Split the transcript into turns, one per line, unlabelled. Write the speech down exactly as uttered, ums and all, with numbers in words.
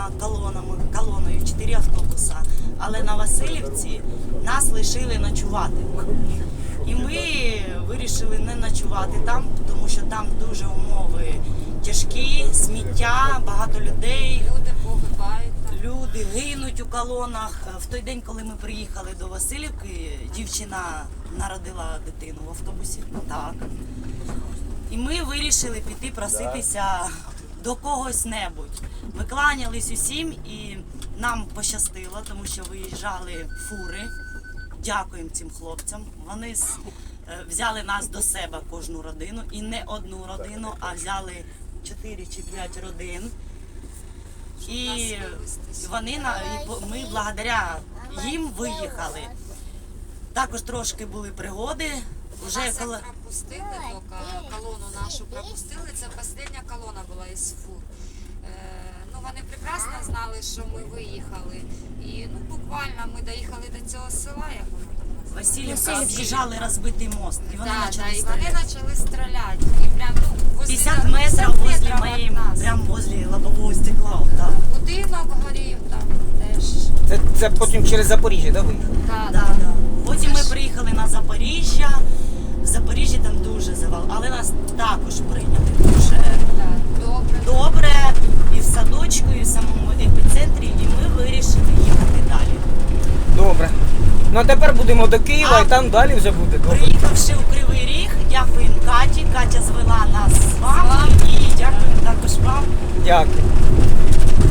колонами, колоною, чотири автобуса, але на Василівці нас лишили ночувати. І ми вирішили не ночувати там, тому що там дуже умови тяжкі, сміття, багато людей.
Люди погибають.
Люди гинуть у колонах. В той день, коли ми приїхали до Василівки, дівчина народила дитину в автобусі. Так. І ми вирішили піти проситися до когось небудь. Ми кланялись усім і нам пощастило, тому що виїжджали фури. Дякуємо цим хлопцям. Вони взяли нас до себе, кожну родину. І не одну родину, а взяли чотири чи п'ять родин. І вони, і ми благодаря їм виїхали. Також трошки були пригоди.
Вже коли пропустили, тільки колону нашу пропустили, це остання колона була із фур. Е, ну, вони прекрасно знали, що ми виїхали. І ну, буквально ми доїхали до цього села, як воно там називається.
Василівка, об'їжджали розбитий мост. І вони
да,
почали
да, і
стріляти.
вони почали стріляти. І прям, ну, возле,
п'ятдесят метрів возле моєї, прямо возле лобового стекла. Так.
Будинок горів там теж.
Це, це потім через Запоріжжя, да, виїхали?
Да,
Да, да. Потім ми приїхали на Запоріжжя. В Запоріжжі там дуже завал, але нас також прийняли дуже
да, добре.
добре. І в садочку, і в самому епіцентрі, і ми вирішили їхати далі.
Добре. Ну а тепер будемо до Києва,
А,
і там далі вже буде добре.
Приїхавши у Кривий Ріг, дякуємо Каті. Катя звела нас з вами і дякуємо також вам.
Дякую.